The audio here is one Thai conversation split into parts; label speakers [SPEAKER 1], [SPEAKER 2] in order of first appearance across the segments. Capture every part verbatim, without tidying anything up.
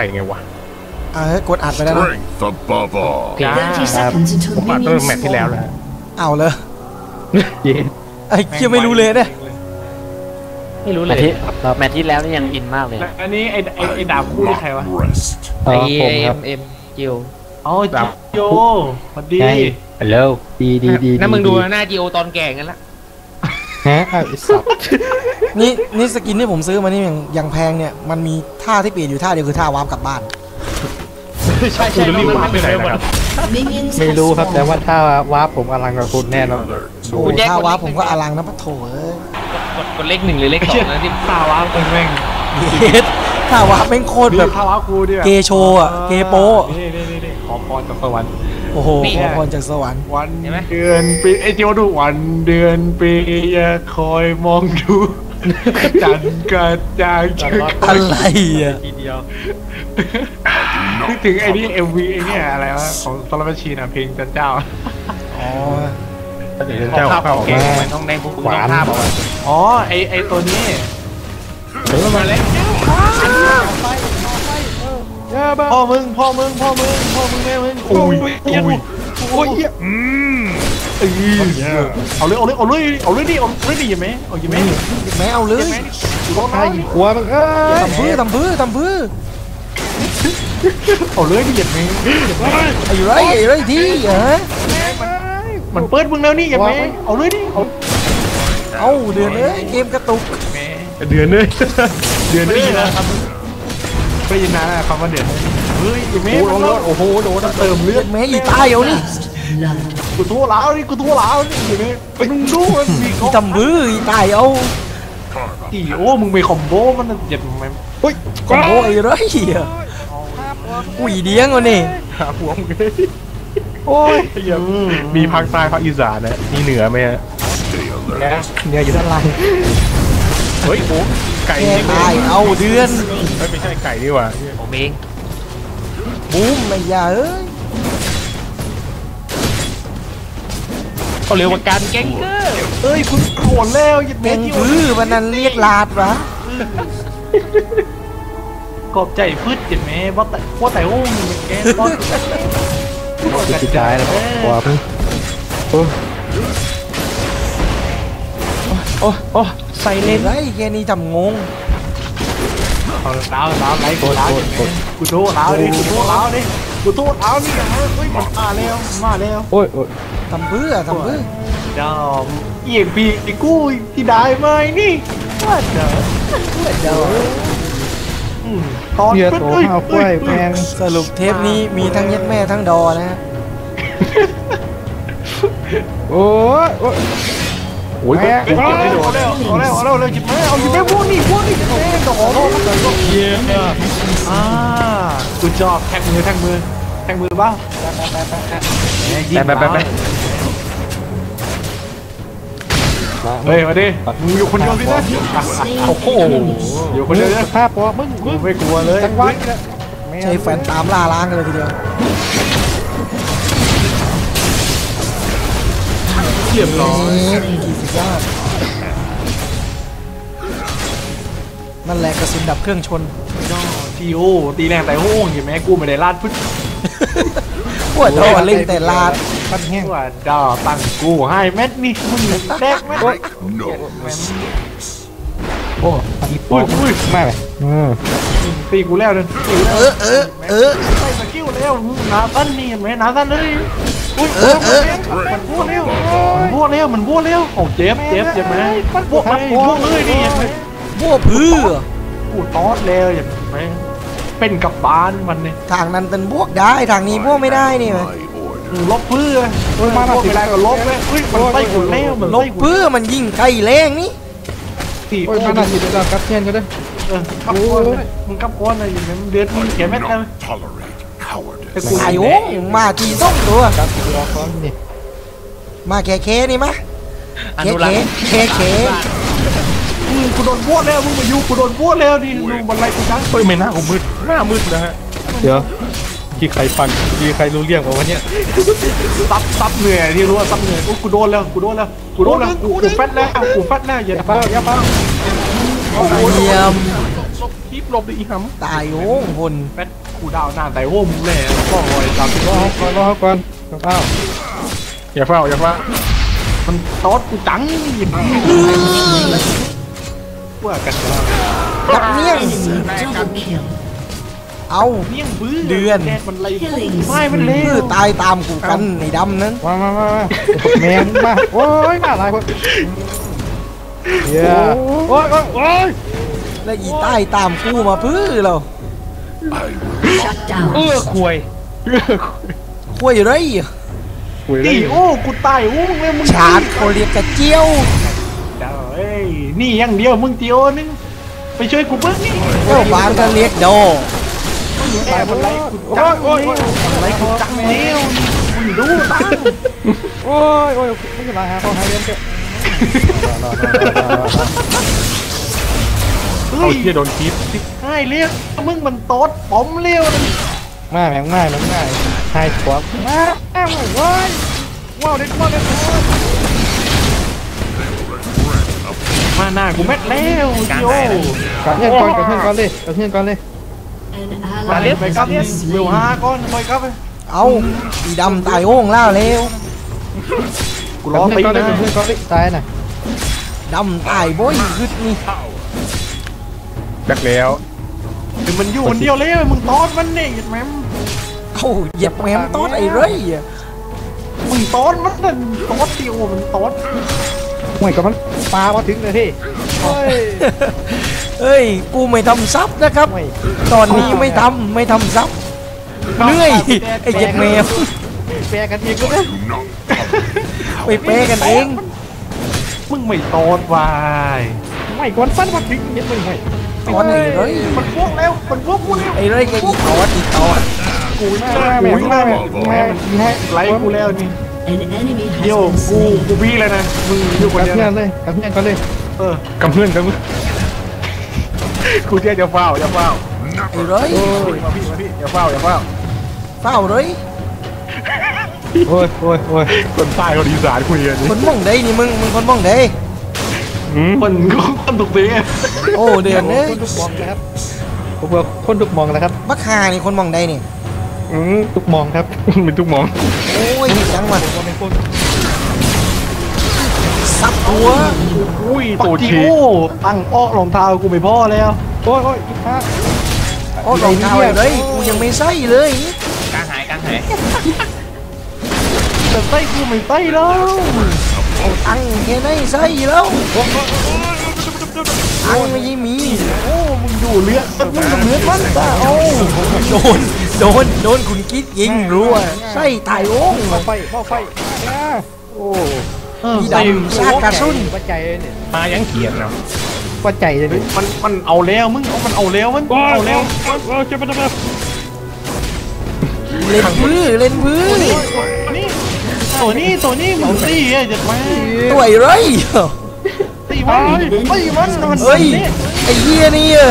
[SPEAKER 1] ไงวะ
[SPEAKER 2] เออกดอัดไปแล้วนะ
[SPEAKER 1] ผมอัดตั้งแต่แมตช์ที่แล้วแล้ว
[SPEAKER 2] เอาเลยไอ้เคียไม่รู้เลยเนี่ย
[SPEAKER 3] ไม่รู้เลยแมตช์ที่แล้วนี่ยังอินมากเลย
[SPEAKER 4] อันนี้ไอ้ไอ้ไอ้ดาบคู่ใครวะ
[SPEAKER 3] ไอ้เอ็มเอ็มจิว
[SPEAKER 4] อ๋อดาบโยพอดี
[SPEAKER 3] ฮัลโหล
[SPEAKER 5] ดีดีดี
[SPEAKER 3] นั่นมึงดูหน้าจิโอตอนแก่กันละ
[SPEAKER 5] ฮะไอ้สัตว์
[SPEAKER 2] นี่นี่สกินที่ผมซื้อมานี่อย่างอย่างแพงเนี่ยมันมีท่าที่เปลี่ยนอยู่ท่าเดียวคือท่าวาร์ปกลับบ้าน
[SPEAKER 4] ใช่ใช่รีบวาร์ปไปไหนครับ
[SPEAKER 5] ไม่รู้ครับแต่ว่าถ้าวาร์ปผมอลังกับคุณแน่นอน
[SPEAKER 2] โอ้ท่าวาร์ปผมก็อลังนะปะโถเอ้ย
[SPEAKER 3] กดกดเลขหนึ่งหรือเลขสองนะที่
[SPEAKER 4] ท่าวาร์ปแม่ง
[SPEAKER 2] ท่าวาร์ปแม่งโคตรแบบ
[SPEAKER 4] ท่าวาร์ปกูดิ
[SPEAKER 2] เกโชอ่ะเกโป
[SPEAKER 4] นี่นี่นี่ขอพรจากสวรรค์
[SPEAKER 2] โอ้โหขอพรจากสวรรค์
[SPEAKER 4] วันเดือนปีไอ้เจ้าดูวันเดือนปีอย่าคอยมองดูจันกระจาย
[SPEAKER 2] อะไรอ่ะ
[SPEAKER 4] ทีเดียวนึกถึงไอ้นี่เอ็มวีไอ้เนี่ยอะไรวะของซอลาร์ชีนะเพลงจันเจ้า
[SPEAKER 2] อ๋อ
[SPEAKER 1] จันเจ้าเข้าเก่ง
[SPEAKER 3] ต้องในพวกหวาน
[SPEAKER 4] อ๋อไอ้ไอ้ตัวนี้
[SPEAKER 1] เฮ้ยมาแล้ว
[SPEAKER 4] พ่อมึงพ่อมึงพ่อมึงพ่อมึงแม่มึง
[SPEAKER 1] โอ้ยโอ้ย
[SPEAKER 4] โอ้ยอืมเออเอาเลยเอาเลยเอาเลยเอาเลยดิเอาเลยดิยังไหมเอายังไหม
[SPEAKER 2] แม่เอาเลย
[SPEAKER 4] ใคร
[SPEAKER 5] หัวมึงเอ้ย
[SPEAKER 2] ทำพื้นทำพื้นทำพื้น
[SPEAKER 4] เอาเลยดิยังไหม
[SPEAKER 2] ไอ้ไรไอ้ไรที่เหรอ
[SPEAKER 4] มันเปิดมึงแล้วนี่ยังไหมเอาเลยดิเอา
[SPEAKER 2] เอาเดือนเลยเกมกระตุก
[SPEAKER 1] เดือนเลยเดือนเลย
[SPEAKER 4] นะครับไม่ยินนะคำว่าเดือนเฮ้ยยังไหม
[SPEAKER 2] โอ้โหโดนเติมเลือดแม่อีตายเอานี่
[SPEAKER 4] กูทั่วแล้วนี่กูทั่วแล้วนี่ยังไหมมึงดูมันมี
[SPEAKER 2] ทำบื้ออีตายเอา
[SPEAKER 4] อีโอ้มึงไปคอมโบมันเจ็บไหม
[SPEAKER 2] เฮ้ยคอมโบไอ้ไรอ่ะอุ้ยเดี้ยงวะนี่
[SPEAKER 1] หาหัวมึงโอ้ยมีภาคใต้ภาคอีสานนะมีเหนือไหมฮะ
[SPEAKER 5] เหนืออยู่ด้านล่าง
[SPEAKER 1] เฮ้ยโอ้ไก่
[SPEAKER 2] ตายเอาเดือน
[SPEAKER 1] ไม่ใช่ไก่ดีกว่า
[SPEAKER 3] ผมเอง
[SPEAKER 2] บูมไม่ยาเอ้ย
[SPEAKER 3] เขาเรียกว่าการแกงเกอร์
[SPEAKER 4] เอ้ยคุณโกรธแล้วยัด
[SPEAKER 2] แกงคือวันนั้นเรียกลาดวะ
[SPEAKER 4] กอบใจพืชจิตแม่ว่าแต่ว่าแต่โอ้มึงแกก็
[SPEAKER 5] กระจายแล้วกว่าพี่โอ้
[SPEAKER 1] โอ้โอ้ใส่เลน
[SPEAKER 2] ไรแกนี่ทำงง
[SPEAKER 4] เอาล้าวล้าวไรกูล้าวกูโทษล้าวดิกูโทษล้าวดิกูโทษล้าวนี่เฮ้ยมันมาแล้วมาแล้ว
[SPEAKER 5] โอ้ยโอ้ย
[SPEAKER 2] ทำเบื่อทำเบื่อ
[SPEAKER 4] เดี๋ยวเอียงปีไอ้กู้ที่ได้ไหมนี่ว่าเดี๋ยวเดี๋ยว
[SPEAKER 5] ตอนโตห้าวกล้วยแพง
[SPEAKER 2] สรุปเทปนี้มีทั้งยัดแม่ทั้งดอนะฮะ
[SPEAKER 5] โอ้ยโอ้ย
[SPEAKER 4] โอ้ยเอาแล้วเอาแล้วเอาแล้วเอาแล้วเลยจิบแม่เอาจิบแม่พวกนี้พวกนี้แม่ดอกเยี่ยมอ่ากูชอบแทงมือแทงมือแทงมือบ้าง
[SPEAKER 5] ไปไปไปไป
[SPEAKER 4] เฮ้ยมาดิมึงอยู่คนเดียวสินะโอ้โหอยู่คนเดียว
[SPEAKER 5] ภาพพอมึง
[SPEAKER 4] มึงไม่กลัวเลย
[SPEAKER 5] จังหวะ
[SPEAKER 2] ใช่แฟนตามล่าล้างกันเลยทีเดียว
[SPEAKER 4] เยี่ยมร้อย
[SPEAKER 2] กี่สิบยอดนั่นแหละกระสุนดับเครื่องชน
[SPEAKER 4] ทีโอตีแรงแต่โอ้ยเห็นไหมกูไม่ได้ลาดพึ่ง
[SPEAKER 2] ปวดท้อเล่นแต่ลาด
[SPEAKER 4] ปั้นแห้งว่าดอตั้งกูให้เม็ดนี่มึงแดกเม็ด
[SPEAKER 5] โอ้ยโอ้ยไม่เลย
[SPEAKER 4] ตีกูแล้วเลย
[SPEAKER 2] เออเออเออ
[SPEAKER 4] ใส่สกิลแล้วนาตันนี่เห็นไหมนาตันเลยอุ้ยเออเออมันบ้วนเร็วมันบ้วนเร็วมันบ้วนเร็วโอ้เจ็บเจ็บเจ็บไหมมันบ้วนบ้วนเลยนี่เห็นไหม
[SPEAKER 2] บ้วนพื้น
[SPEAKER 4] กูตอดแล้วเห็นไหมเป็นกับบ้านมันเนี่ย
[SPEAKER 2] ทางนั้นเป็นบวกได้ทางนี้บวกไม่ได้นี่ไหม
[SPEAKER 4] ลบเพื่อเฮ้ยมาหน้าสิบแรงก็ลบเลยเฮ้ยมันไล่กุนแล้วมัน
[SPEAKER 2] ลบเพื่อมันยิงไกลแรงนี่
[SPEAKER 4] สี่
[SPEAKER 5] โอ้ยมาหน้าสิบเรากัดเทียนกันเลย
[SPEAKER 4] เออกับก้อนมึงกับก้อนอะไรอย่างเงี้ยเดือดมึงเขียนแม่กัน
[SPEAKER 2] แต่กูไอ้โอ้มาทีส่งตัวมาแค่แค่นี่มะแค่แค่แค่แค่
[SPEAKER 4] กูโดนบ้วนแล้วมึงมาอยู่กูโดนบ้วนแล้วดิดูมันไล่กูจัง
[SPEAKER 1] เฮ้ยไม่น่ากูมืดหน้ามืดนะฮะ
[SPEAKER 5] เดี๋ยวที่ใครฟังที่ใครรู้เรื่องของวันนี้
[SPEAKER 4] ซับซับเหนื่อยที่รู้ว่าซับเหนื่อยกูโดนแล้วกูโดนแล้วกูโดนแล้วกูแฟตแล้วกูแฟตแล้วอย่าเป้าอย่าเป้า
[SPEAKER 2] เยี่ยม
[SPEAKER 1] บคลิปหลบดิอีห
[SPEAKER 2] ตายโอ้งคน
[SPEAKER 4] แมทกูดาวหน้าแต่โอ้มึงแหละก็ลอยตาม
[SPEAKER 5] รอก่อนรอก่อนเอ้า
[SPEAKER 1] ำอย่าเฝ้าอย่าเฝ้า
[SPEAKER 4] มันตอดกูจังว่ากันแล้ว
[SPEAKER 2] กับเมี่ยง
[SPEAKER 6] Double kill.
[SPEAKER 2] เอา
[SPEAKER 4] เมี่ยงบื้อ
[SPEAKER 2] เดือน
[SPEAKER 4] แกมันไร
[SPEAKER 6] Killing
[SPEAKER 4] ไม่มันเร็
[SPEAKER 2] พื
[SPEAKER 4] ว
[SPEAKER 2] อตายตามกูกันในดำนั้น
[SPEAKER 5] มามามามาแมงมาโอ้ยมาหลายคนเย้โอ้ยโอ้ยโอ้ย
[SPEAKER 2] และอีใต้ตามกูมาพื้อเรา
[SPEAKER 6] Shut down.
[SPEAKER 4] เออควย
[SPEAKER 2] คุยไร
[SPEAKER 5] คุยเล
[SPEAKER 4] นี่
[SPEAKER 5] ย
[SPEAKER 4] โอ้กูตายโอ้มึงเลยมึง
[SPEAKER 2] ชาร์จเขาเรียกกระเจียว
[SPEAKER 4] เดี๋ยวเอ้ยนี่อย่างเดียวมึงเจียวนึงไปช่วยกูเบิ้งนี่
[SPEAKER 2] เจ้าบางก็เรียกโด
[SPEAKER 4] แอบมันไรกูจังเร็วไรกูจังเร็วมึงดูตั้ง
[SPEAKER 5] โอ้ยโอ้ยไม่เป็นไรฮะเขาให้เล่นเถอะ
[SPEAKER 1] เอาเที่ยโดนคลิป
[SPEAKER 4] ให้เรียกมึงมันโต๊ดป๋อมเร็วนะ
[SPEAKER 5] มาแมงมาแมงมาให้ขวบมาแอมโอ้ยว้าวเด็ดว้าวเด็ด
[SPEAKER 4] มาหน้ากูแม็ดแล้วเจียว
[SPEAKER 5] กับเพื่อนก่อนกับเพื่อนก่อนเลยกับเพื่อนก่อนเลย
[SPEAKER 6] An
[SPEAKER 4] มา
[SPEAKER 6] ally
[SPEAKER 4] เล่นไป
[SPEAKER 6] has
[SPEAKER 4] ครับ
[SPEAKER 6] been
[SPEAKER 4] เวล
[SPEAKER 6] slain.
[SPEAKER 4] ห้าก้อนไปครับ
[SPEAKER 2] เอาอีดำตายโอ้งล่าแล้ว
[SPEAKER 4] กู
[SPEAKER 5] กั
[SPEAKER 4] ร้
[SPEAKER 5] บ
[SPEAKER 4] อง
[SPEAKER 5] เพื่อน
[SPEAKER 4] ตี
[SPEAKER 5] ก่อนเลย
[SPEAKER 4] นะ
[SPEAKER 5] กับเพื่อนก่อนเลยตายน่ะ
[SPEAKER 2] ดำตายบ่อยขึ้นนี่
[SPEAKER 1] แบกแล้ว
[SPEAKER 4] ถึงมันอยู่คนเดียวเลยมึงตอดมันเนี่ยแม่ม
[SPEAKER 2] เอาเหยียบแหมมต้นไอ้ไรอะ
[SPEAKER 4] มึงตอดมันนั่นตอดเดียวมันตอด
[SPEAKER 5] ห่วยกับมันปลามาถึงเลยพี่โอ้ย
[SPEAKER 2] เอ้ยกูไม่ทำซับนะครับ
[SPEAKER 5] ห่วย
[SPEAKER 2] ตอนนี้ไม่ทำไม่ทำซับเหนื่อยไอ้เหยียบแมว
[SPEAKER 5] แปรกันเองก็ได้
[SPEAKER 2] ไปเปะกันเอง
[SPEAKER 4] มึงไม่ตอดวาย
[SPEAKER 5] ไม่กวนฟันมาถึงเห็นมึงไง
[SPEAKER 2] ตอนไอ้ไร
[SPEAKER 4] มันพวกแล้วมันพวกกูแล้ว
[SPEAKER 2] ไอ้ไรก็อีตอดอีตอด
[SPEAKER 4] กูหน้า
[SPEAKER 5] แม่
[SPEAKER 4] กู
[SPEAKER 5] แม่
[SPEAKER 4] หน้า
[SPEAKER 5] แม่แม่แม่
[SPEAKER 4] ไล่กูแล้วนี่
[SPEAKER 6] An enemy
[SPEAKER 4] เดียว
[SPEAKER 6] has
[SPEAKER 4] กู
[SPEAKER 6] been slain.
[SPEAKER 4] กูบี้เลยนะมึงอยู่คน
[SPEAKER 5] กับ
[SPEAKER 4] เดียว
[SPEAKER 5] เพื่อนเลยกับเพื่อนก่อนเลย
[SPEAKER 4] เออก
[SPEAKER 1] ำเพื่อนกำเพื่อนกูเที่ยจะเฝ้าจะเฝ้า
[SPEAKER 2] ไอ้ไร
[SPEAKER 1] มาพี่มาพี่อย่าเฝ้าอย่าเฝ้า
[SPEAKER 2] เฝ้าเลย
[SPEAKER 5] โอ้ยโอ้ยโอ้ย
[SPEAKER 1] คนใต้คนอีสานคุยกันนี่
[SPEAKER 2] คนมองได้นี่มึงมึงคนมองได้
[SPEAKER 1] อืม
[SPEAKER 4] คนคนถูกตีไง
[SPEAKER 2] โอ้เดือนเอ้ย
[SPEAKER 5] คนทุกมองนะครับผมบอกคนทุกมองนะครับ
[SPEAKER 2] บักฮานี่คนมองได้นี่
[SPEAKER 1] อืม
[SPEAKER 5] ทุกมองครับ
[SPEAKER 1] เป็นทุกหมอง
[SPEAKER 2] โอ้ยจังมา
[SPEAKER 5] คนในคน
[SPEAKER 2] ซับตัว
[SPEAKER 1] อุ้ย
[SPEAKER 4] ปั
[SPEAKER 1] ตัว
[SPEAKER 4] กจิ
[SPEAKER 1] ชี
[SPEAKER 4] โอ้ตั้งอ้อรองเท้ากูไม่พอแล้ว
[SPEAKER 5] โอ้ยโอ้ยอีกฮะ
[SPEAKER 2] โอ้รองเท้าอะไรกูยังไม่ใส่เลย
[SPEAKER 3] กลางหายกลางหาย
[SPEAKER 4] แต่ไส้กูไม่ไส้แล้ว
[SPEAKER 2] เอาตังค์แค่ไหนใส่แล้วตังค์ไม่มี
[SPEAKER 4] โอ้มึงอยู่เลือดมึงกับเลือดมันตาโอ้
[SPEAKER 2] โดนโดนโดนคุณคิดยิงรัวใส่ตายโอ้ง
[SPEAKER 5] เข้าไฟเข้าไฟอ่าโอ้
[SPEAKER 2] พี่ดำชาติกระสุน
[SPEAKER 5] วัดใจเลยเนี่ย
[SPEAKER 1] มายังเขียนเนาะ
[SPEAKER 5] วัดใจเลยเนี่ย
[SPEAKER 4] มันมันเอาแล้วมึงเอามันเอาแล้วมันเอาแล้ว
[SPEAKER 5] โอ้ยจะไปทำไม
[SPEAKER 2] เล่นพื้นเล่นพื้น
[SPEAKER 4] นี่ตัวนี้ตัวนี้มึงตีอ่ะจะมา
[SPEAKER 2] ตัวไอ้ไร
[SPEAKER 4] ตีมันตีมันมัน
[SPEAKER 2] เฮ้ยไอ้เหี้ยนี่อะ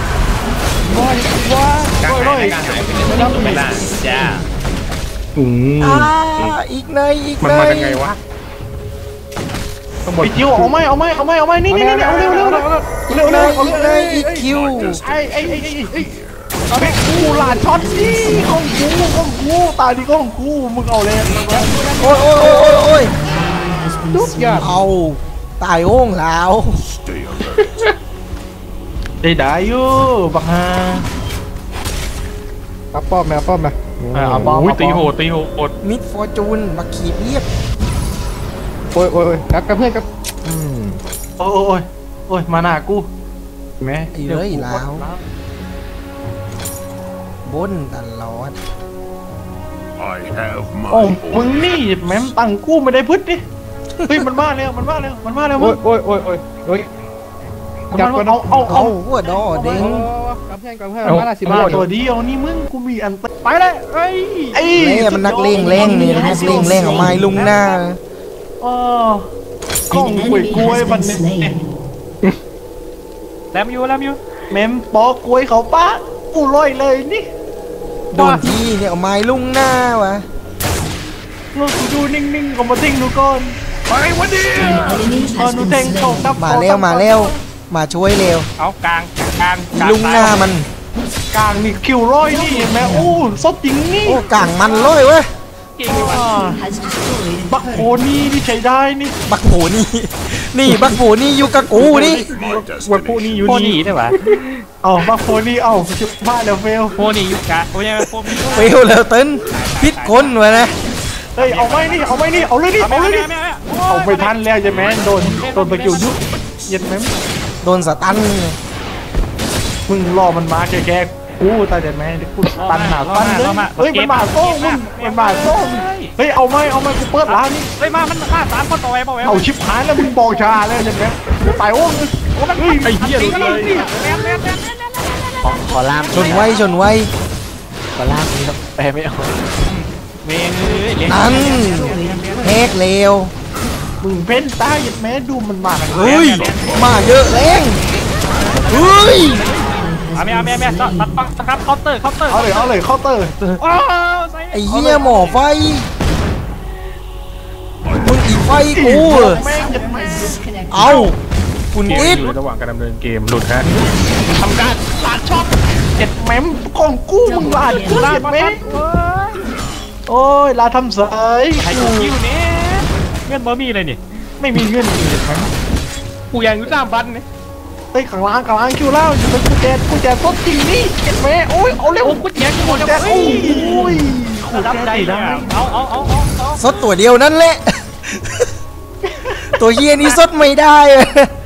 [SPEAKER 3] กลางหายกลางหายเป็นเรื่องไม่ได้จ้า
[SPEAKER 1] อืม
[SPEAKER 2] อ่าอีกในอีก
[SPEAKER 1] มัน
[SPEAKER 2] ใน
[SPEAKER 1] มายังไงวะต้องบน
[SPEAKER 4] ไอ้จิ๋วเอาไหมเอาไหมเอาไหมเอาไหมนี่นี่นี่เอาเร็วเร็วเร็วเร็ว
[SPEAKER 2] ใน
[SPEAKER 4] เร็วเอา
[SPEAKER 2] อีกใน
[SPEAKER 4] เร็ว
[SPEAKER 2] อีกคิว
[SPEAKER 4] ไอ้ไอ้ไอ้ไอ้ไอ้เอาไปกูหลานช็อตนี่ของกูของกูตายดีของกูมึงเอาเลย
[SPEAKER 2] โอ้ยโอ้ยโอ้ยโอ้ย
[SPEAKER 6] Has been
[SPEAKER 5] ทุกอย่าง
[SPEAKER 2] เอาตายโอ้งแล้ว
[SPEAKER 4] ได้ได้อยู่บักฮา
[SPEAKER 5] เอาป้อมมาเอาป้อมมา
[SPEAKER 4] เอาบอล
[SPEAKER 1] อุ้ยตีโหดตีโหด
[SPEAKER 2] มิดฟอร์จูนมาขีดเรียบ
[SPEAKER 5] โอ้ยโอ้ยโอ้ยกับกับเพื่อนกับอืม
[SPEAKER 4] โอ้ยโอ้ยโอ้ยมาหน้ากูแม่
[SPEAKER 2] ไอ้เลยแล้วบนตลอด
[SPEAKER 7] I have
[SPEAKER 4] โอ้
[SPEAKER 7] my
[SPEAKER 4] มึงนี่แม่มตังกูไม่ได้พึ่ดิเฮ้ยมันมาแล้วมันมาแล้วมันมาแล้วมึ
[SPEAKER 5] โอ้
[SPEAKER 4] ง
[SPEAKER 5] ยโอ้ยโอ้ยโอ้ยโอ้ย
[SPEAKER 4] มันมาเอาเอา
[SPEAKER 2] เอา
[SPEAKER 4] เอา
[SPEAKER 2] หัวดอเด้ง
[SPEAKER 5] กับเพื่อนกับเพื่อนมาละสิ
[SPEAKER 4] มา
[SPEAKER 5] บาท
[SPEAKER 4] ตัวเดียวนี่มึงกูมีอันไปเลยไอ้ไอ้
[SPEAKER 2] แม่มันนักเลงแรงนี่นักเลงแรงเอาไม้ลุงหน้า
[SPEAKER 4] อ๋อ กล้อง
[SPEAKER 6] An
[SPEAKER 4] กล้วย
[SPEAKER 6] enemy
[SPEAKER 4] กล้วย
[SPEAKER 6] has
[SPEAKER 4] มัน
[SPEAKER 6] been slain.
[SPEAKER 3] แลมอยู่แลมอยู่
[SPEAKER 4] แมมปอกล้วยเขาป้ากูลอยเลยนี่
[SPEAKER 2] โดนทีเนี่ยเอาไม้ลุงหน้าวะ
[SPEAKER 4] เราดูนิ่งๆก็มาทิ้งดูก่อนไปวันนี้
[SPEAKER 6] An enemy
[SPEAKER 4] เออ
[SPEAKER 6] has
[SPEAKER 4] หนู
[SPEAKER 6] been
[SPEAKER 4] แทงเขา
[SPEAKER 6] slain.
[SPEAKER 4] ดับ
[SPEAKER 2] มาแล้วมาแล้วมาช่วยเร็ว
[SPEAKER 3] เอากลาง
[SPEAKER 4] กลาง
[SPEAKER 2] ลุงหน้ามัน
[SPEAKER 4] กลางนี่คิวร้อยนี่เห็นไหมโอ้ซดจริงนี่
[SPEAKER 2] โอ้กลางมันเลยเว้ย
[SPEAKER 6] Has destroyed
[SPEAKER 4] บักโคนี่นี่ใช้ได้นี่
[SPEAKER 2] บักโผนี่ นี่บักโผนี่อยู่กับกูนี่
[SPEAKER 4] วันพวกนี้อยู่
[SPEAKER 3] โคนี่
[SPEAKER 4] นี่
[SPEAKER 3] ได้ปะ
[SPEAKER 4] เอาบักโคนี่เอาชิบบ้าแล้วเฟล
[SPEAKER 3] โคนี่ยุกะโอ้ยโคนี่
[SPEAKER 2] เฟลแล้วเติ้นพิษคนวะนะ
[SPEAKER 4] เฮ้ยเอาไม่นี่เอาไม่นี่เอาเลยนี่เอาเลยนี่เอาไม่ทันแล้วใช่ไหมโดนโดนตะกิ้วยุบเย็นไหม
[SPEAKER 2] โดนสตัน
[SPEAKER 4] มึงรอมันมาแค่แค่กูตายแต่แม่กูตันหนาตันเลยเฮ้ยมันมาโซ่มึงมันมาโซ่เฮ้ยเอาไม่เอาไม่กูเปิดร้านนี่
[SPEAKER 3] เฮ้ยมามันฆ่าสามคนต่อไปเปล่า
[SPEAKER 4] เอาชิบหายแล้วมึงบอกชาแล้วใช่ไหมตายโอ้ยเฮ้ยไอ้เหี้ยเลย
[SPEAKER 3] ขอขอล่าม
[SPEAKER 2] ชนไว้ชนไว้
[SPEAKER 3] ขอล่ามนี่ต้องแปลไม่ออกเมงเลยเลี้ยง
[SPEAKER 2] นั่นแฮกเลว
[SPEAKER 4] มึงเพ้นตายยัดแม่ดูมันมา
[SPEAKER 2] เฮ้ยมาเยอะแรงเฮ้ย
[SPEAKER 3] เอาไม่เอาไม่ไม่ตัดปังครับเคาน์เตอร์เคาน์เตอร์
[SPEAKER 4] เอาเลยเอาเลยเคาน์เตอร์
[SPEAKER 3] โอ้ใส่
[SPEAKER 2] ไอ้เหี้ยหมอไฟมึงอีไฟกู
[SPEAKER 4] แม่งยัดแม่
[SPEAKER 6] disconnected.
[SPEAKER 2] เอาคุณ
[SPEAKER 1] เกม
[SPEAKER 2] กิ๊ด
[SPEAKER 1] อยู่ระหว่างการดำเนินเกมหลุดฮะ
[SPEAKER 4] ทำการลาดช็อตเจ็ดแม่มของกูมึงลาดกูลาดแม่งโอ้ยลาทำเสย
[SPEAKER 3] ใครคิวเนี่ยเงินบ่มีเลยนี่
[SPEAKER 4] ไม่มีเงินเจ็ดแม่ม
[SPEAKER 3] กูยังอยู่สามพันเนี่ย
[SPEAKER 4] เฮ้ยข้างล่างข้างล่างคิวเล่าอยู่เป็นกูแจกูแจสดจริงนี่เจ็ดแม่โอ้ยเอาเร็ว
[SPEAKER 3] โอ้กูแจกกู
[SPEAKER 4] กู
[SPEAKER 3] จะ
[SPEAKER 4] แจ
[SPEAKER 3] โอ้
[SPEAKER 4] โอ้
[SPEAKER 3] ย
[SPEAKER 4] ย
[SPEAKER 3] รับใจได้เอาเอาเอาเอา
[SPEAKER 2] ซดตัวเดียวนั่นแหละ ตัวเฮียนี่ซดไม่ได้อะ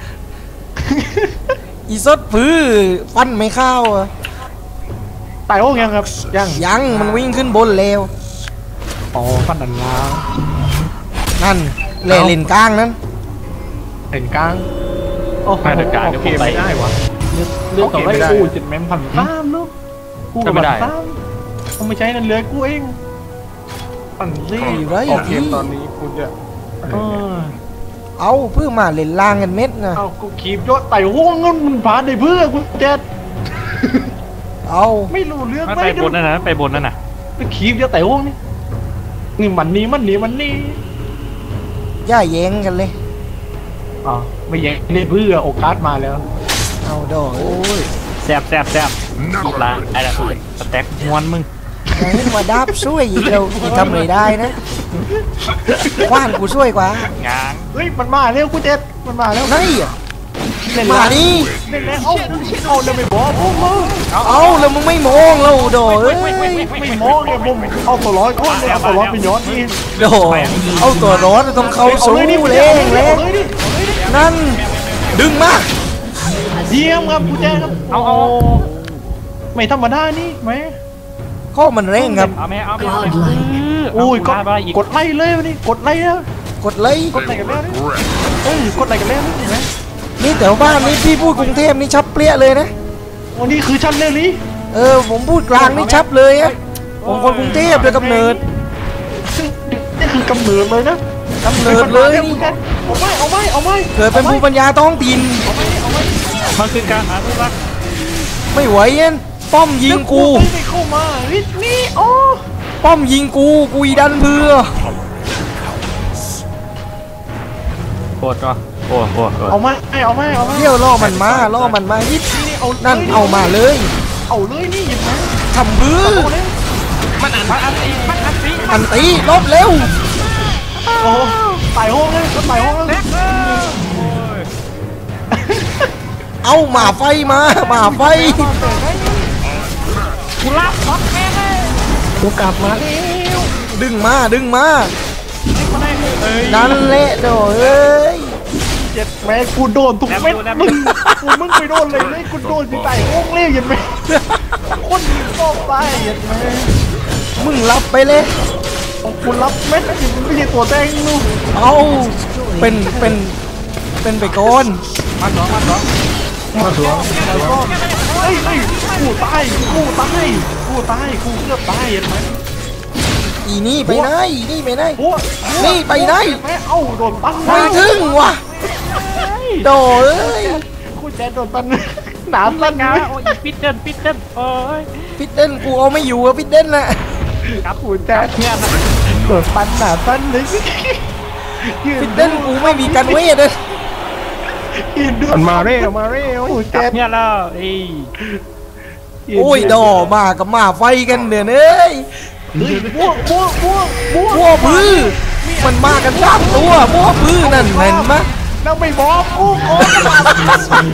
[SPEAKER 2] อีซดพื้อฟันไม่เข้าอะ
[SPEAKER 4] ตายโอ้ยังครับยัง
[SPEAKER 2] ยังมันวิ่งขึ้นบนแล้ว
[SPEAKER 4] อ๋อฟันดันล้าง
[SPEAKER 2] นั่นเล่เล่นกลางนั้น
[SPEAKER 4] เห็นกลางโอ้โหเกมไม่ได้วะ
[SPEAKER 3] เลือกต่อไป
[SPEAKER 4] กูเจ็ดแม่มพันสามลูกกูกับพันสามกูไม่ใช่นั่นเลยกูเองปั่นซี่
[SPEAKER 2] อยู่ไร
[SPEAKER 1] ออกเกมตอนนี้คุณจะ
[SPEAKER 4] เออ
[SPEAKER 2] เอาเพื่อมาเล่นล่างกันเม็ดนะ
[SPEAKER 4] เอากูขีบยอดไต่ห้วงเงินมันผ่านได้เพื่อกูเจ็ด
[SPEAKER 2] เอา
[SPEAKER 4] ไม่รู้เรื่อง
[SPEAKER 3] ไปบนนั่นนะไปบนนั่นน่ะ
[SPEAKER 4] ไปขีบยอดไต่ห้วงนี่นี่มันนี่มันนี่มันนี่
[SPEAKER 2] ย่าแย้งกันเลย
[SPEAKER 4] อ๋อไม่แย่งได้เพื่อโอกาสมาแล้ว
[SPEAKER 2] เอาดอก
[SPEAKER 3] แซ่บแซ่บแซ่บอีกละไอ้ละสแต็กมวนมึง
[SPEAKER 2] อย่าเห็นว่าดับช่วยอีกเราอีกทำไม่ได้นะกว้านกูช่วยกว่าง
[SPEAKER 3] าง
[SPEAKER 4] เฮ้ยมันมาเร็วกูเจ็ดมันมาแล้ว
[SPEAKER 2] ไหนอะ
[SPEAKER 4] เล่น
[SPEAKER 2] มา
[SPEAKER 4] แล้ว
[SPEAKER 2] ดิ
[SPEAKER 4] เล่นแล้วเอาเอาแล้วไม่บอกผมมึง
[SPEAKER 2] เอาแล้วมึงไม่มองเราดอกเอ้ย
[SPEAKER 4] ไม่มองเนี่ยผมเอาตัวร้อยก้อนเลยเอาตัวร้อยไปย้อนนี่
[SPEAKER 2] โดเอาตัวร้อนต้องเข้าสู้เร่งเร่งนั่นดึงมา
[SPEAKER 4] เยี่ยมครับกูแจ้งครับเอาเอาไม่ธรรมดานี่ไหม
[SPEAKER 2] ข้อมันเร่งครับ
[SPEAKER 3] เอาไหมเอาไหม
[SPEAKER 4] โอ้ยกดกดไล่เลยวันนี้กดไล่นะ
[SPEAKER 2] กดเลย
[SPEAKER 4] กดไล่กันแล้วนี่เอ้ยกดไล่กันแล้วนี่เห็นไหม
[SPEAKER 2] นี่แถวบ้านนี่พี่พูดกรุงเทพนี่ชับเปรี้ยเลยนะ
[SPEAKER 4] วันนี้คือชั้นเลยนี่
[SPEAKER 2] เออผมพูดกลางนี่ชับเลยอะผมคนกรุงเทพโดยกำเนิด
[SPEAKER 4] ซึ่งนี่คือกำเนิดเลยนะ
[SPEAKER 2] กำเนิดเลยนี่
[SPEAKER 4] เอาไม่เอาไม่เอาไม่
[SPEAKER 2] เกิดเป็นภูมิปัญญาท้องถิ่น
[SPEAKER 3] มันคือการหาทุรัก
[SPEAKER 2] ไม่ไหวเอ็นป้อมยิงกู
[SPEAKER 4] ไม่เข้ามานี่นี่โอ้
[SPEAKER 2] ป้อมยิงกูกูอีดันเพื่อ
[SPEAKER 3] โคตรก็โอ้โห
[SPEAKER 4] เอาไม่เอาไม่เอาไม่
[SPEAKER 2] เที่ยวล่อมันมาล่อมันมาฮิต
[SPEAKER 4] นี่เอา
[SPEAKER 2] นั่นเอามาเลย
[SPEAKER 4] เอาเลยนี่เห็นไหม
[SPEAKER 2] ทำพื้อ
[SPEAKER 3] มันอ่านมันอ่านตีมันอ่านตี
[SPEAKER 2] อันตีลบเร็ว
[SPEAKER 4] โอ้ตายห้องเลยตายห้องเลย
[SPEAKER 2] เอาหมาไฟมาหมาไฟ
[SPEAKER 3] กูรับท็อปแม่เลย
[SPEAKER 4] กูกลับมาแล้ว
[SPEAKER 2] ดึงมาดึงมา
[SPEAKER 3] มาได้เอ้ย
[SPEAKER 2] นั่นแหละโดเอ้ย
[SPEAKER 4] เจ็ดแม่กูโดนทุกเม็ดมึงกูมึงไปโดนเลยเลยกูโดนที่ไต่ห้องเลยเห็นไหมคนชอบตายเห็นไหม
[SPEAKER 2] มึงรับไปเลย
[SPEAKER 4] กูรับเม็ดไม่ใช่ตัวแดงลูก
[SPEAKER 2] เอาเป็นเป็นเป็นไปก่อน
[SPEAKER 3] มาสองมาสอง
[SPEAKER 4] มาสวงแล้วก็เฮ้ยเฮ้ยกูตายกูตายกูตายกูเกือบตายเห็นไหม
[SPEAKER 2] อีนี่ไปไหนอีนี่ไปไหน
[SPEAKER 4] โอ้
[SPEAKER 2] นี่ไปไหน
[SPEAKER 4] แม่เอ้าโดนปั้น
[SPEAKER 2] ไม่ถึงว่ะโดเอ้ย
[SPEAKER 4] กูแจโดนปั้นหนาปั้น
[SPEAKER 3] งา
[SPEAKER 4] ไง
[SPEAKER 3] โอ้ยปิดเดินปิดเดินโอ้ย
[SPEAKER 2] พิดเด่นกูเอาไม่อยู่อะพิดเด่นน่ะ
[SPEAKER 3] ครับ
[SPEAKER 4] กูแจโดนปั้นหนาปั้นเลย
[SPEAKER 2] พิดเด่นกูไม่มีการเวทเลย
[SPEAKER 1] มันมาเร็วมาเร็ว
[SPEAKER 3] กลับเนี่ยแล้วไอ้
[SPEAKER 2] โอ้ยดอมากับมาไฟกันเดือนเอ้ย
[SPEAKER 4] ม่วงม่วงม่วงม่วง
[SPEAKER 2] พวกพื้อมันมากันสามตัวพวกพื้อนั่นเห็นไหม
[SPEAKER 4] แล้วไม่บอกกูโอ้ย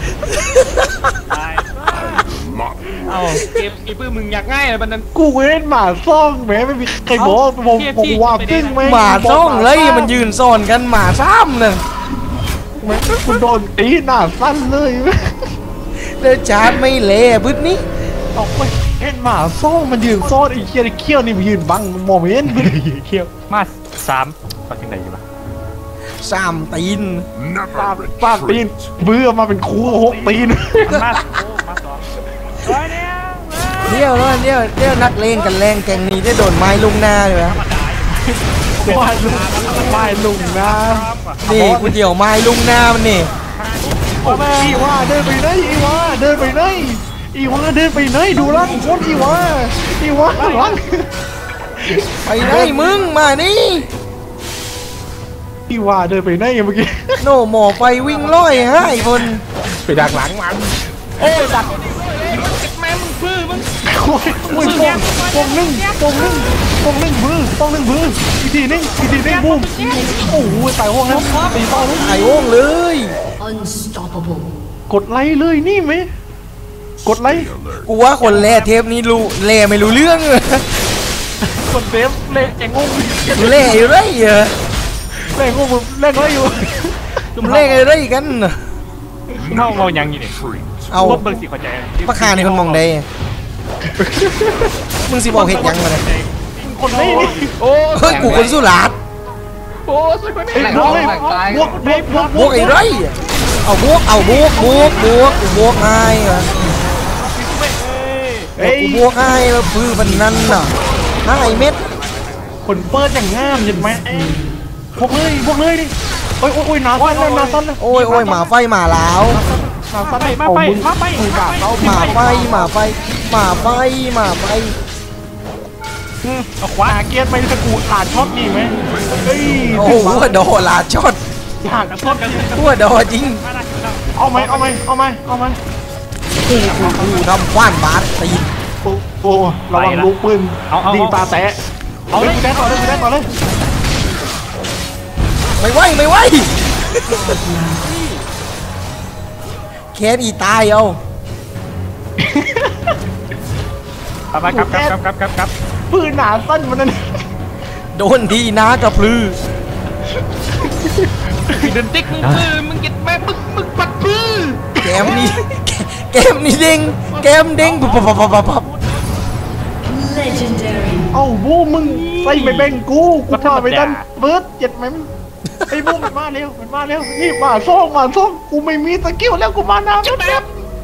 [SPEAKER 3] เอาเก็บไอ้ปื้มมึงอยากง่ายเลยบันนั้น
[SPEAKER 4] กูเว้นหมาซ่องแหมไม่มีใครบอกผมผมว่าซึ่งไหม
[SPEAKER 2] หมาจ้องเลยมันยืนซ่อนกันหมาซ้ำน่ะ
[SPEAKER 4] แม่คุณโดนตีหน้าสั้นเลย
[SPEAKER 2] เดินชาร์จไม่เละพื้นนี้
[SPEAKER 4] ออกไปเห็นหมาซ่องมันยืนซ่อนไอ้เคี้ยวไอ้เคี้ยวนี่มันยืนบังมองไม่เห็น
[SPEAKER 3] เขี้ยวมาสามก็ถึงไหนอยู่ปะ
[SPEAKER 2] สามตีน
[SPEAKER 4] ป้า
[SPEAKER 7] Never
[SPEAKER 4] ป้าตีน
[SPEAKER 7] retreat.
[SPEAKER 4] เบื่อมาเป็นครูหกตีน
[SPEAKER 3] มันมาโอ้มาสองร้อยเนี่ย
[SPEAKER 2] เดี๋ยวแล้วเดี๋ยวเดี๋ยวนักเลงกันแรงแกงนี้ได้โดนไม้ลุงหน้าเลยนะ
[SPEAKER 4] ว่ายลุงว่ายลุงนะ
[SPEAKER 2] นี่กูเดี่ยวไม้ลุงหน้ามันนี่
[SPEAKER 4] โอ้แม่อีว่าเดินไปไหนอีว่าเดินไปไหนอีว่าเดินไปไหนดูร่างคนอีว่าอีว่าร่าง
[SPEAKER 2] ไปไหนมึงมานี่
[SPEAKER 4] อีว่าเดินไปไหนเมื่อกี้
[SPEAKER 2] โน่หมอไฟวิ่งร้อยให้คน
[SPEAKER 1] ไปดักหลังมัน
[SPEAKER 4] โอ้ยดัก
[SPEAKER 3] แม่มึงพื้มึง
[SPEAKER 4] โอ้ยโอ้ยปงปงนึ่งปงนึ่งปงนึ่งพื้นปงนึ่งพื้นอีกทีนึงอีกทีนึงบูมโอ้โหตายห้องแล้วตีต่อเลย
[SPEAKER 2] ไอ้โอ่งเลย
[SPEAKER 6] Unstoppable.
[SPEAKER 4] กดไลค์เลยนี่ไหมกดไลค์
[SPEAKER 2] กูว่าคนแล่เทปนี้รู้แล่ไม่รู้เรื่องเลย
[SPEAKER 4] กดเซฟเล่แองงง
[SPEAKER 2] แล่อยู่ไรเหรอ
[SPEAKER 4] เล่งงงเล่งอะไรอยู่
[SPEAKER 2] แล่อะไรกันน่ะ
[SPEAKER 3] เมาเมายังอยู่นี่
[SPEAKER 2] เอา
[SPEAKER 3] รถเบิร์สีขอใจ
[SPEAKER 2] ปะคาในคนมองได้มึงสิบอกเห็ดยังมาเลย
[SPEAKER 4] คนนี้นี่
[SPEAKER 3] โอ้
[SPEAKER 2] เฮ้ยกูคนสุราษฎร์
[SPEAKER 3] โหสุดคนนี้
[SPEAKER 4] ไอ้บวกเลยบวกบวกบวก
[SPEAKER 2] บวกไอ้ไรเอาบวกเอาบวกบวกบวกกูบวกไอ้เหรอ
[SPEAKER 4] เฮ้ย
[SPEAKER 2] กูบวกไอ้แล้วพื้นมันนั่นน่ะห้าไอเม็ด
[SPEAKER 4] คนเปิดอย่างงามเห็นไหมพวกเลยพวกเลยดิโอ้ยโอ้ยโอ้ยนาสั้นแล้วนาสั้นแล้ว
[SPEAKER 2] โอ้ยโอ้ยหมาไฟหมาลาว
[SPEAKER 4] นาสั้น
[SPEAKER 3] ไปมา
[SPEAKER 4] เอา
[SPEAKER 3] ไป
[SPEAKER 4] มึง
[SPEAKER 3] มาไป
[SPEAKER 4] มึงกาดเขา
[SPEAKER 2] หมาไฟหมาไฟหมาไฟหมาไฟ
[SPEAKER 3] เอาขวา
[SPEAKER 4] หาเกียร์ไปสกูดขาดช็อตนี่ไหมเฮ้ย
[SPEAKER 2] โอ้โหหัวดอลาดช็อต
[SPEAKER 4] ขาดช็อต
[SPEAKER 2] หัวดอจริง
[SPEAKER 4] เอาไหมเอาไหมเอาไหมเอาไหม
[SPEAKER 2] กูกูกูทำคว้านบาสตีน
[SPEAKER 4] โอ้โอ้ระวังลูกปืนดีตาแตะ
[SPEAKER 3] เอา
[SPEAKER 4] เอา
[SPEAKER 3] เล
[SPEAKER 4] เลย ยแตะต่อเลยแตะต่อเลย
[SPEAKER 2] ไม่ไหวไม่ไหวแคนอีตายเอา
[SPEAKER 3] ไปครับครับครับครับครับ
[SPEAKER 4] ปืนหนาสั้นมันนั่น
[SPEAKER 2] โดนทีนะกระพลือ
[SPEAKER 3] เดินติ๊กมึงมือมึงเก็บแม่มึงมึงปัดพื้น
[SPEAKER 2] แกมนี่แกมนี่เด้งแกมเด้งปับปับปับปับปับ
[SPEAKER 6] Legendary.
[SPEAKER 4] เอ้าบูมึงใส่ไปแบ่งกูกูพาไปดันเบิร์ดเจ็ดไหมมึงไอ้บูมันมาเร็วมันมาเร็วนี่มาซ่องมาซ่องกูไม่มีสกิลแล้วกูมาน้ำแล้ว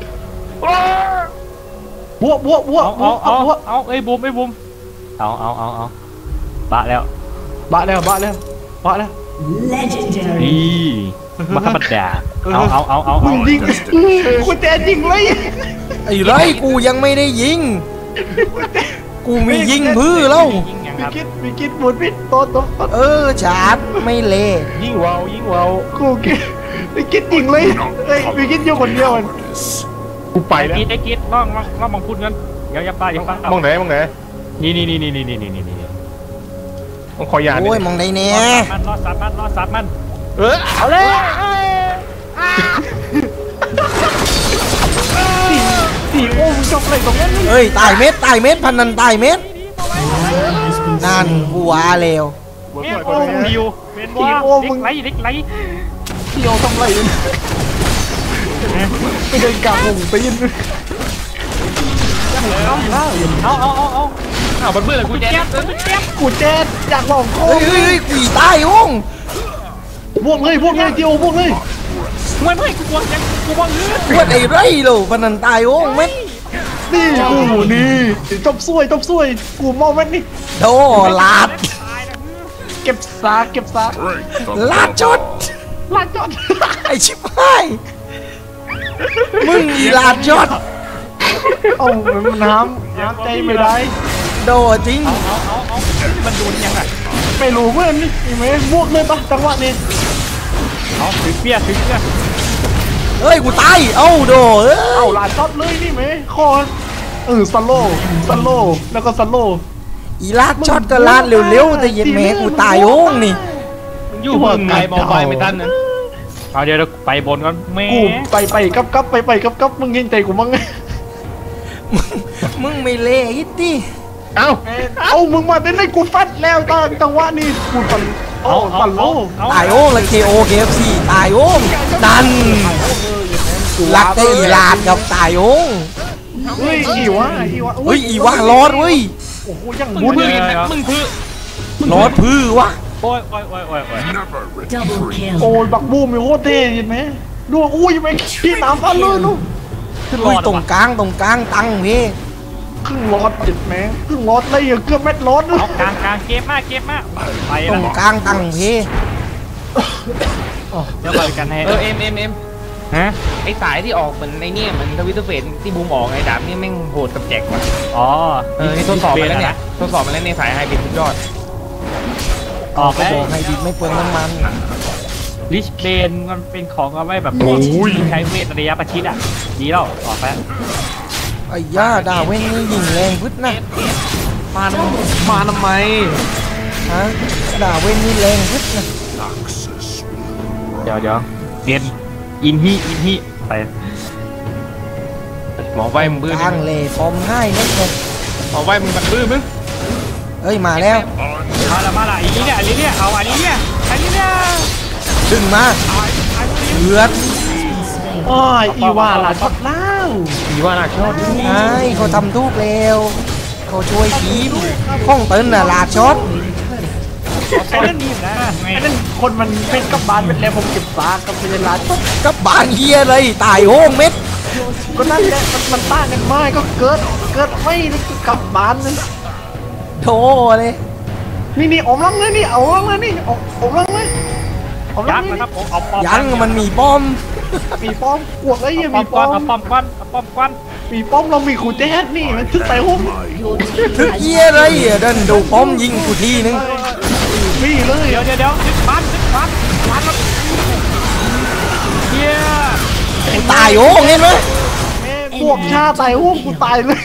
[SPEAKER 4] บวกบวกบวก
[SPEAKER 3] เอา
[SPEAKER 4] บว
[SPEAKER 3] เอา
[SPEAKER 4] ก
[SPEAKER 3] เอา
[SPEAKER 4] บวก
[SPEAKER 3] เอาไอ้บูมไอ้บูมเอาเอาเอาเอาบะแล้ว
[SPEAKER 4] บะแล้วบะแล้วบะแล้ว
[SPEAKER 6] Legendary.
[SPEAKER 3] นี่มาธรรมดาเอาเอาเอาเอา
[SPEAKER 4] มึงยิงกูแจยิงเลย
[SPEAKER 2] ไอ้ไรกูยังไม่ได้ยิง กูมียิงพื้อแล้ว
[SPEAKER 3] ยิงยัง
[SPEAKER 4] มี
[SPEAKER 3] ครับ
[SPEAKER 4] คิดมีคิดบุญพิษโตโต
[SPEAKER 2] เออชาร์จไม่เละ
[SPEAKER 1] ยิ่งเวาวยิ่งเวาว
[SPEAKER 4] กูคิดมีคิดยิงเลยเฮ้ยมีคิดอยู่คนเดียว
[SPEAKER 1] กูไปแล้ว
[SPEAKER 3] กีดไอ้กีดล่องล่องล่องมองพูดกันอย่าอย่าป้าอย่าป้าม
[SPEAKER 1] องไหนมองไหน
[SPEAKER 3] นี่นี่นี่นี่นี่นี่นี่นี่นี่
[SPEAKER 1] มองคอยา
[SPEAKER 2] โอ้ยมองได้แน่
[SPEAKER 3] มันรอสับมันรอสับมัน
[SPEAKER 1] เออ
[SPEAKER 3] เอาเลย
[SPEAKER 4] สี่โอ้มึงจบอะไรตรงนั้น
[SPEAKER 2] เอ้ยตายเม็ดตายเม็ดพันนันตายเม็ดนั่นกูว่าแล้ว
[SPEAKER 3] เมียโอ้ดิวเป็นว่าเล็กไหลเล็กไหล
[SPEAKER 4] เที่ยวทำไรไปเดินกลางวงตีน
[SPEAKER 3] เอาเอาเอาเอาเอาบันเบื่อเลยกูแจ๊บกูแจ๊บ
[SPEAKER 4] กูแจ๊ดอยากลองโค้
[SPEAKER 2] เฮ้ยเฮ้ยเฮ้ยกูตายห้อง
[SPEAKER 4] พวกเลยพวกเลยเจียวพวกเลย
[SPEAKER 3] ไม่ไม่กูวางยังกูวางเลือด
[SPEAKER 2] ปวดไอ้ไรโลพันนันตายห้องเม็ด
[SPEAKER 4] นี่กูนี่จบซวยจบซวยกูมองแม่นี่
[SPEAKER 2] โดลาด
[SPEAKER 4] เก็บซากเก็บซาก
[SPEAKER 7] Break the
[SPEAKER 2] ลาดจด
[SPEAKER 4] ลาดจอด
[SPEAKER 2] ไอชิบหายมึงอีลาดยอด
[SPEAKER 4] เอามันน้ำน้ำใจไม่ได้
[SPEAKER 2] โดจริง
[SPEAKER 3] เอาเอาเอาเอามันโดนยังไง
[SPEAKER 4] ไม่รู้เพื่อนนี่เห็นไหมบวกเลยปะจังหวะนี้
[SPEAKER 3] เอาถือเปียถือเปีย
[SPEAKER 2] เฮ้ยกูตายเอ้าโดเอ้ย
[SPEAKER 4] เอาลาช็อตเลยนี่ไหมคอเออสโลสโลแล้วก็สโล
[SPEAKER 2] อีลาดช็อตก็ลาดเร็วๆแต่เย็นแม่กูตายโอ้งนี่
[SPEAKER 3] อยู่มึงไงมองไปไม่ทันนั้นเอาเดี๋ยวเราไปบนก่อนแม่
[SPEAKER 4] กูไปไปกับกับไปไปกับกับมึงเห็นใจกูมั้ง
[SPEAKER 2] มึงไม่เละฮิตตี้
[SPEAKER 4] เอ้าเอามึงมาได้เลยกูฟัดแล้วตอนจังหวะนี้กูตันโอ้ตันโล
[SPEAKER 2] ตายโอ้งแล้วเคโอเคเอฟซีตายโอ้งดันลักได้อีลาดกับตายโอ้ง
[SPEAKER 4] เฮ้ยอีวะอีวะ
[SPEAKER 2] เฮ้ยอีวะรอดเว้ย
[SPEAKER 4] โอ้โหยัง
[SPEAKER 3] มึ
[SPEAKER 4] บุ
[SPEAKER 3] ง
[SPEAKER 4] ญ
[SPEAKER 3] พื้นมึงพื้น
[SPEAKER 2] รอดพื้วะ
[SPEAKER 3] โอ้ยโอ้ยโอ้ยโอ้ยโอ้ย
[SPEAKER 7] Never
[SPEAKER 6] Double
[SPEAKER 7] retreat.
[SPEAKER 4] โอ้
[SPEAKER 6] kill.
[SPEAKER 4] ยบักบูมมีโคตรเท่เห็นไหมดูอุ้ยไม่พี่ตามฟันเลยลูก
[SPEAKER 2] อุ้ยตรงกลางตรงกลางตังพี่
[SPEAKER 4] ครึ่งรอดเจ็ดแม่ครึ่งรอดเลยเกือบเม็ดรอด
[SPEAKER 3] เอากลางกลางเก็บมากเก็บมากไป
[SPEAKER 2] ตร
[SPEAKER 3] ละ
[SPEAKER 2] งกลางตังพี่
[SPEAKER 3] เดี๋ยวไปกันให้
[SPEAKER 8] เออเอ็มเอ็มเอ็ม
[SPEAKER 3] ฮะ
[SPEAKER 8] ไอสายที่ออกเหมือนในเนี่ยเหมือนทวิตเตอร์เฟซที่บูมออกไอ้ดาบนี่แม่งโหดกับแจกว่ะ
[SPEAKER 3] อ๋อ
[SPEAKER 8] เออนี่ทดสอบไปแล้วเนี่ยทดสอบไปแล้วในสายไฮบริดสุดยอด
[SPEAKER 3] ออก
[SPEAKER 2] ก็
[SPEAKER 3] แล้ว
[SPEAKER 2] บอกให้ดิบไม่เปลืองน้ำมัน
[SPEAKER 3] ลิชเบนมันเป็นของเอาไว้แบบใช้เวทระยะประชิดอ่ะดีแล้วออกแล้ว
[SPEAKER 2] ไอ้ย่าดาเว้นนี่ยิงแรงพึ่นะ
[SPEAKER 4] มามาทำไม
[SPEAKER 2] ฮะดาเว้นนี่แรงพึ่นะ
[SPEAKER 7] Noxus will
[SPEAKER 3] เดี๋ยวเดี๋ยวเรียนอินฮีอินฮีไป
[SPEAKER 8] หมอไว้มึงบื้อก
[SPEAKER 2] ลางเลยฟอร์มให้นิดเลย
[SPEAKER 8] หมอไว้มึงมันบื้อมึง
[SPEAKER 2] เอ้ยมาแล้ว
[SPEAKER 3] มาละมาละอันนี้เนี่ยอันนี้เนี่ยเอาอันนี้เนี่ยอันนี้เนี่ย
[SPEAKER 2] ดึงมาเลือด
[SPEAKER 4] โอ้ยอีว่าหลานช็อตแล้ว
[SPEAKER 8] อีว่าหนักชอบ
[SPEAKER 2] ไอ้เขาทำทุกแล้วเขาช่วยทีมห้องเติ้ลน่ะลาดช็อต
[SPEAKER 3] ไอ้นั่นนี่นะ
[SPEAKER 4] ไอ้นั่นคนมันเป็นกับบานเป็นแล้วผมเก็บซากกับเป็นร้าน
[SPEAKER 2] กับบานเฮียเลยตายโห้งเม็ด
[SPEAKER 4] ก็นั่นแหละมันมันต้านกันไม่ก็เกิดเกิดไม่ได้กับบานเลย
[SPEAKER 2] โถเลย
[SPEAKER 4] นี่นี่อมลังเลยนี่เอาลังเลยนี่อมอมลังเลยอมลั
[SPEAKER 3] ยั
[SPEAKER 4] ง
[SPEAKER 3] กษ์
[SPEAKER 4] เลย
[SPEAKER 3] นะครับผมเอาปอม
[SPEAKER 2] ยังมันมีป้อม
[SPEAKER 4] มีป้อมกวกไอ้ยัง
[SPEAKER 3] ปอ
[SPEAKER 4] มี
[SPEAKER 3] ม
[SPEAKER 4] ป้
[SPEAKER 3] ก้
[SPEAKER 4] อ
[SPEAKER 3] อน
[SPEAKER 4] ม
[SPEAKER 3] เอาปอมก้อนเอาปอมก้อน
[SPEAKER 4] มีป้อมเรามีขู่แจ๊ดนี่มันทึกใส่หุ้ม
[SPEAKER 6] Your team
[SPEAKER 2] ทึก
[SPEAKER 6] has
[SPEAKER 2] เฮียเลยเดินดูป้อมยิงกูทีนึง
[SPEAKER 4] พี่เลย
[SPEAKER 3] เดี๋ยวเดี๋ยวเดี๋ยวดึกฟันดึกฟันฟันแล้วเฮีย
[SPEAKER 2] กูตายโห้งเห็นไหม
[SPEAKER 4] พวกชาใส่หุ้มกูตายเลย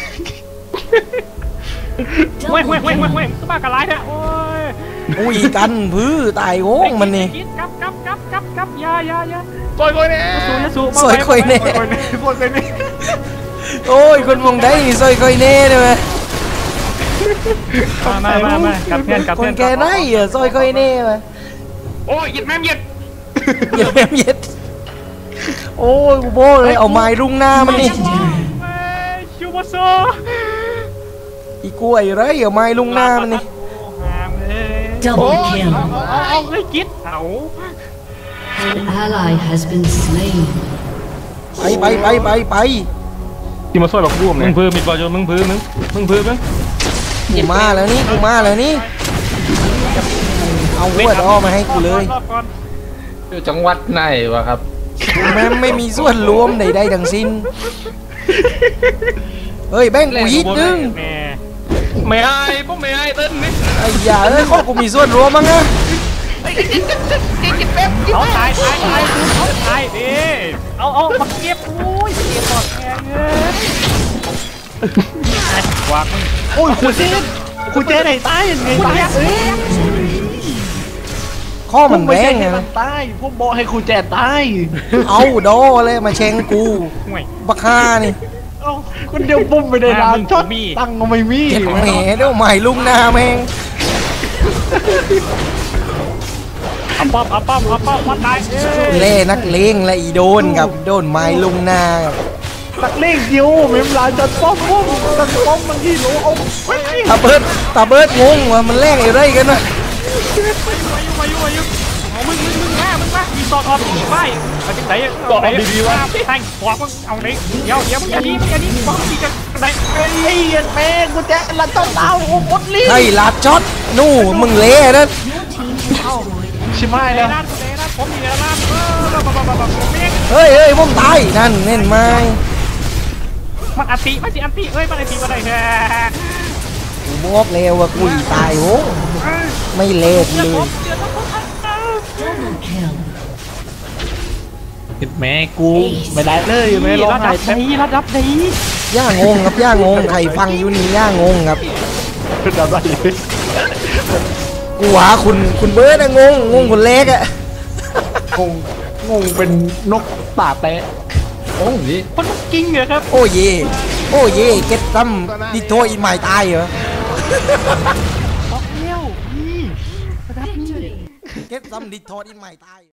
[SPEAKER 3] เว้ยเว้ยเว้ยเว้ยเว้ยก็มากระไรเนี่ยโอ้ย
[SPEAKER 2] อุ้ยกันพื้ตายโห้งมันนี่
[SPEAKER 3] กับกับกับกับกับยายายา
[SPEAKER 8] ปล่อยกูเนี่ย
[SPEAKER 3] สู้ยาสู้
[SPEAKER 2] สวยคอยเน่
[SPEAKER 4] คนนี้คนนี้
[SPEAKER 2] โอ้ยคนมองได้นี่สวยคอยเน่เลยไหม
[SPEAKER 3] มามามามากับเพื่อนกับ
[SPEAKER 2] ค
[SPEAKER 3] เพื่
[SPEAKER 2] น
[SPEAKER 3] อน
[SPEAKER 2] แกได้อะสวยคอยเน่ไหม
[SPEAKER 8] โอ้ยหยิบแม่มหยิบ
[SPEAKER 2] เย็ดแม่เย็ดโอ้ยกูโบเลยเอาไม้รุ่งหน้ามันนี่
[SPEAKER 3] ชูโบโซ
[SPEAKER 2] อีกล้วยไรเอาไม้รุ่งหน้ามันนี่
[SPEAKER 6] double kill.
[SPEAKER 3] เอาเลยกิดเอา
[SPEAKER 6] An ally has been slain.
[SPEAKER 2] ไปไปไปไปไป
[SPEAKER 1] ที่มาช่วยบักบูม
[SPEAKER 3] มึ
[SPEAKER 1] เนี่
[SPEAKER 3] ง
[SPEAKER 1] ย
[SPEAKER 3] พื้นมิดบอลจนมึงพื้นมึงมึงพื้นมึง
[SPEAKER 2] กูมาแล้วนี่กูมาแล้วนี่เอาวัวดอ้อมาให้กูเลย
[SPEAKER 8] อยู่จังหวัดไหนวะครับ
[SPEAKER 2] กูแม่งไม่มีส่วนรวมใดๆทั้งสิ้นเฮ้ยแบ่งกูยิดนึง
[SPEAKER 3] แม่
[SPEAKER 8] ไม่ให้พวกไม่ให้เต้นนี่
[SPEAKER 2] ไอ้ยาเอ้ยข้อกูมีส่วนรวมมั้งอะ
[SPEAKER 3] เอาตายตายตายเอาตายดิเอาเอามาเก็บโอ้ยเก็บหมดแกเงี้ยวางมึง
[SPEAKER 4] โอ้ยขู่แจ๊ดขู่แจ๊ดไหนตายยังไงตายเอ้ย
[SPEAKER 2] ข้อมันแบ่ง
[SPEAKER 4] ไง
[SPEAKER 2] ไง
[SPEAKER 4] มันตายพวกบอกให้ขู่แจ๊ดตาย
[SPEAKER 2] เอาโดเลยมาเชงกู
[SPEAKER 3] ห่วย
[SPEAKER 2] บักฮ่านี่
[SPEAKER 4] เอ้าคนเดียวปุ้มไปในร้านช็อตตังก็ไม่มี
[SPEAKER 2] เจ็บแหมเดี๋ยวใหม่ลุงหน้าแม่ง
[SPEAKER 3] เอาป้อมเอาป้อมเอาป้อมมาตาย
[SPEAKER 2] เล่นักเลงและอีโดนกับโดนไม้ลุงหน้ากับ
[SPEAKER 4] ตักเลขเดียวเมมร้านจะป้อมป้อมตักป้อมมันที่รู้เอาไว้
[SPEAKER 2] ตาเบิดตาเบิดงงว่ามันแลกอะไรกันวะ
[SPEAKER 3] มาอยู่มาอยู่มาอยู่เอามึงมึงมึงมามึงมามีตอดออกมีไฟเอาจังไหนเอาไหนดีๆวะแทงหัวมึงเอาไหนเดี๋ยวเดี๋ยวมึงอย่านี้มึงอย่านี้บอกมีจะไหน
[SPEAKER 4] ไอ้เหี้ยแม่กูแจ๊ดละต้องดาวโอ้หมดลิ้น
[SPEAKER 2] ใช่ลาดช็อตนู่มึงเละนะ
[SPEAKER 4] ชิมาย
[SPEAKER 3] เล
[SPEAKER 4] แล้ว
[SPEAKER 3] น่าเลน่าผมมีเลน่าเออแบบแบบแบบเมีย
[SPEAKER 2] เฮ้ยเฮ้ยผมตายนั่นเน่นไม้
[SPEAKER 3] มันอันติมันสิอันติเอ้ยมันอันติมาได้แค่
[SPEAKER 2] กูบอกแล้วว่ากูตายโหไม่เละเลย
[SPEAKER 6] Double kill.
[SPEAKER 4] แม่กูไม่ได้เลยแม่ร้อง
[SPEAKER 3] ระ
[SPEAKER 4] ไห้
[SPEAKER 3] ดับ
[SPEAKER 4] แท้
[SPEAKER 3] นี้ระดับนี้
[SPEAKER 2] ย่างงครับย่างงใครฟังอยู่นี่ย่างงครับ
[SPEAKER 4] ดับได้เลย
[SPEAKER 2] กูหาคุณคุณเบิร์ดอะงงงงคนเล็กอะ
[SPEAKER 4] งงงงเป็นนกตาแตะโอ้ย
[SPEAKER 3] คนกิ้งเหรอครับ
[SPEAKER 2] โอ้เย่โอ้เย่เก็ตซัมดิโทอินใหม่ตายเหรอ
[SPEAKER 3] บอกเลี้ยวนี่ระดับนี้
[SPEAKER 2] เก็ตซัมดิโทอินใหม่ตาย